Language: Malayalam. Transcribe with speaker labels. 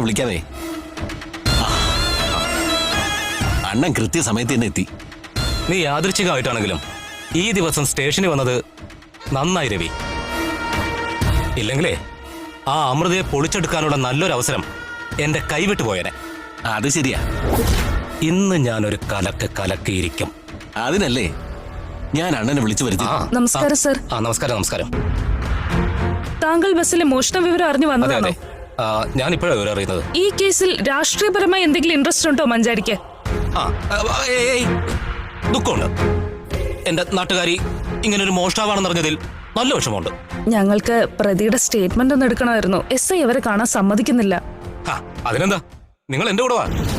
Speaker 1: വിളിക്കാതെ. അണ്ണൻ കൃത്യസമയത്ത് തന്നെ എത്തി.
Speaker 2: നീ യാദൃച്ഛികമായിട്ടാണെങ്കിലും ഈ ദിവസം സ്റ്റേഷനിൽ വന്നത് നന്നായി രവി. ഇല്ലെങ്കിലേ ആ അമൃതയെ പൊളിച്ചെടുക്കാനുള്ള നല്ലൊരു അവസരം എന്റെ കൈവിട്ടു പോയനെ.
Speaker 1: അത് ശരിയാ.
Speaker 2: ഇന്ന് ഞാനൊരു കലക്കിയിരിക്കും.
Speaker 1: അതിനല്ലേ ഞാൻ അണ്ണനെ വിളിച്ചു വരുത്തി.
Speaker 3: നമസ്കാരം സർ.
Speaker 2: നമസ്കാരം. നമസ്കാരം.
Speaker 3: താങ്കൾ ബസ്സിലെ മോഷണ വിവരം അറിഞ്ഞു വന്നതാണോ?
Speaker 2: ഞാൻ ഇപ്പോഴാണ് വിവരം അറിയുന്നത്.
Speaker 3: ഈ കേസിൽ രാഷ്ട്രീയപരമായി എന്തെങ്കിലും ഇൻട്രസ്റ്റ് ഉണ്ടോ മഞ്ചാരിക്ക്?
Speaker 2: ദുഃഖമുണ്ട്. എന്റെ നാട്ടുകാരി ഇങ്ങനൊരു മോഷ്ടാവാണെന്ന് അറിഞ്ഞതിൽ നല്ല വിഷമമുണ്ട്.
Speaker 3: ഞങ്ങൾക്ക് പ്രതിയുടെ സ്റ്റേറ്റ്മെന്റ് ഒന്ന് എടുക്കണമായിരുന്നു. SI അവരെ കാണാൻ സമ്മതിക്കുന്നില്ല.
Speaker 2: അതിനെന്താ, നിങ്ങൾ എന്റെ കൂടെ വാ.